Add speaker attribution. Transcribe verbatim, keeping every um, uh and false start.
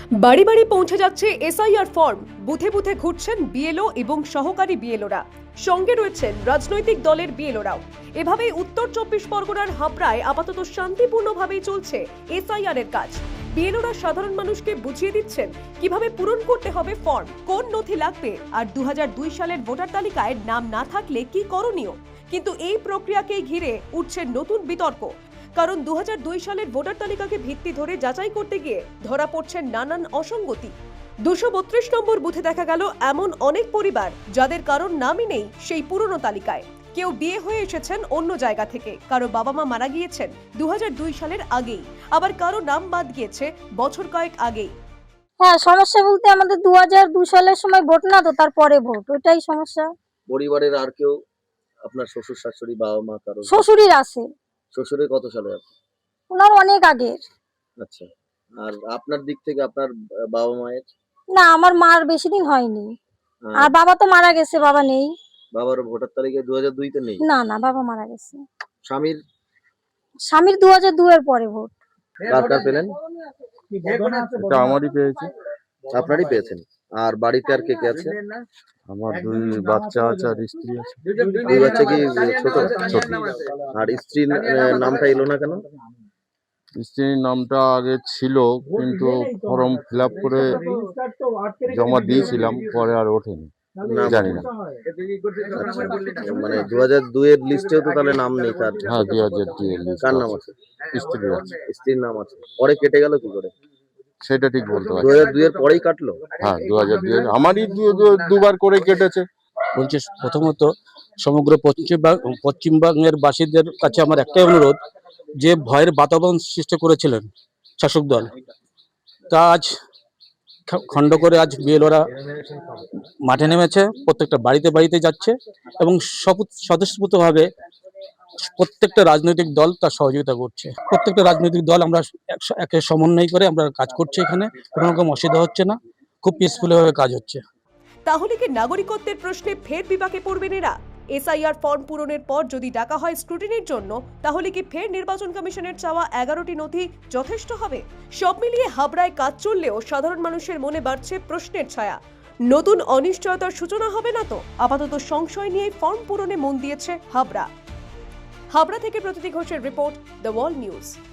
Speaker 1: বাড়ি বাড়ি পৌঁছে যাচ্ছে এসআইআর ফর্ম। বুথে বুথে ঘুরছেন বিএলও এবং সহকারী বিএলওরা, সঙ্গে রয়েছেন রাজনৈতিক দলের বিএলওরাও। এভাবেই উত্তর চব্বিশ পরগনার হাবড়ায় আপাতত শান্তিপূর্ণভাবেই চলছে এসআইআর এর কাজ। বিএলওরা সাধারণ মানুষকে বুঝিয়ে দিচ্ছেন কিভাবে পূরণ করতে হবে ফর্ম, কোন নথি লাগবে, আর দু হাজার দুই সালের ভোটার তালিকায় নাম না থাকলে কি করণীয়। কিন্তু এই প্রক্রিয়াকেই ঘিরে উঠছে নতুন বিতর্ক, কারণ দু হাজার দুই সালের ভোটার তালিকাকে ভিত্তি ধরে যাচাই করতে গিয়ে ধরা পড়ছে নানান অসঙ্গতি। দুশো বত্রিশ নম্বর বুথে দেখা গেল এমন অনেক পরিবার যাদের কারোর নামই নেই সেই পুরনো তালিকায়। কেউ বিয়ে হয়ে এসেছেন অন্য জায়গা থেকে, কারো বাবা মা মারা গিয়েছেন দু হাজার দুই সালের আগেই, আবার কারো নাম বাদ গিয়েছে বছর কয়েক আগেই।
Speaker 2: হ্যাঁ, সমস্যা বলতে আমাদের দু হাজার দুই সালের সময় ভোট না, তো তারপরে ভোট, ওইটাই সমস্যা।
Speaker 3: পরিবারের আর কেউ, আপনার শ্বশুর শাশুড়ি, বাবা মা কারো?
Speaker 2: শ্বশুরের আছে।
Speaker 3: শ্বশুরের কত সালে আপনি?
Speaker 2: ওনার অনেক আগের।
Speaker 3: আচ্ছা, আর আপনার দিক থেকে আপনার বাবা মায়ের?
Speaker 2: না, আমার মার বেশি দিন হয়নি। আর বাবা তো মারা গেছে, বাবা নেই।
Speaker 3: বাবার ভোটার তালিকায় দু হাজার দুই তে নেই?
Speaker 2: না না, বাবা মারা গেছে।
Speaker 3: স্বামীর?
Speaker 2: স্বামীর দু হাজার দুই এর পরে ভোট।
Speaker 3: কার কার পেলেন?
Speaker 4: এটা আমারই পেয়েছি।
Speaker 3: আপনারই পেয়েছেন। আর বাড়িতে আর কে কে আছে?
Speaker 4: আমার দুই বাচ্চা আছে আর স্ত্রী আছে।
Speaker 3: দুই বাচ্চা কি ছোট?
Speaker 4: ছোট।
Speaker 3: আর স্ত্রীর নামটা এলো না কেন?
Speaker 4: স্ত্রীর নামটা আগে ছিল, কিন্তু ফর্ম ফিল আপ করে জমা দিয়েছিলাম, পরে আর ওঠেনি, জানি না।
Speaker 3: মানে দু হাজার দুই এর লিস্টেও তো তাহলে নাম নেই তার?
Speaker 4: হ্যাঁ, দুই হাজার দুই এর লিস্ট।
Speaker 3: কার নাম আছে?
Speaker 4: স্ত্রী আছে।
Speaker 3: স্ত্রীর নাম আছে, পরে কেটে গেল কি করে?
Speaker 4: সেটা ঠিক বলতে
Speaker 3: দু
Speaker 4: পারছি।
Speaker 3: হাজার দুই এর পরেই কাটলো?
Speaker 4: হ্যাঁ, দু হাজার দুই এর আমারই দুবার করে কেটেছে।
Speaker 5: বলছি, প্রথমত সমগ্র পশ্চিমবঙ্গ পশ্চিমবঙ্গের বাসীদের কাছে আমার একটাই অনুরোধ, যে ভয়ের বাতাবরণ সৃষ্টি করেছিলেন শাসক দল, তা আজ খণ্ড করে আজ বিএলওরা মাঠে নেমেছে, প্রত্যেকটা বাড়িতে বাড়িতে যাচ্ছে এবং স্বতঃস্ফূর্তভাবে প্রত্যেকটা রাজনৈতিক দল তার সহযোগিতা করছে। প্রত্যেকটা রাজনৈতিক দল আমরা একে সমন্বয় করে আমরা কাজ করছি, এখানে কোনো রকম অসুবিধা হচ্ছে না, খুব পিসফুল ভাবে কাজ হচ্ছে।
Speaker 1: তাহলে কি নাগরিকত্বের প্রশ্নে ফের বিপাকে পড়বেন এরা? এসআইআর ফর্ম পূরণের পর যদি ডাকা হয় স্ক্রুটিনির জন্য, তাহলে কি ফের নির্বাচন কমিশনের চাওয়া এগারোটি নথি যথেষ্ট হবে? সব মিলিয়ে হাবড়ায় কাজ চললেও সাধারণ মানুষের মনে বাড়ছে প্রশ্নের ছায়া। নতুন অনিশ্চয়তার সূচনা হবে না তো? আপাতত সংশয় নিয়ে ফর্ম পূরণে মন দিয়েছে হাবড়া। হাবড়া থেকে প্রতীতি ঘোষের রিপোর্ট, দ্য ওয়াল নিউজ।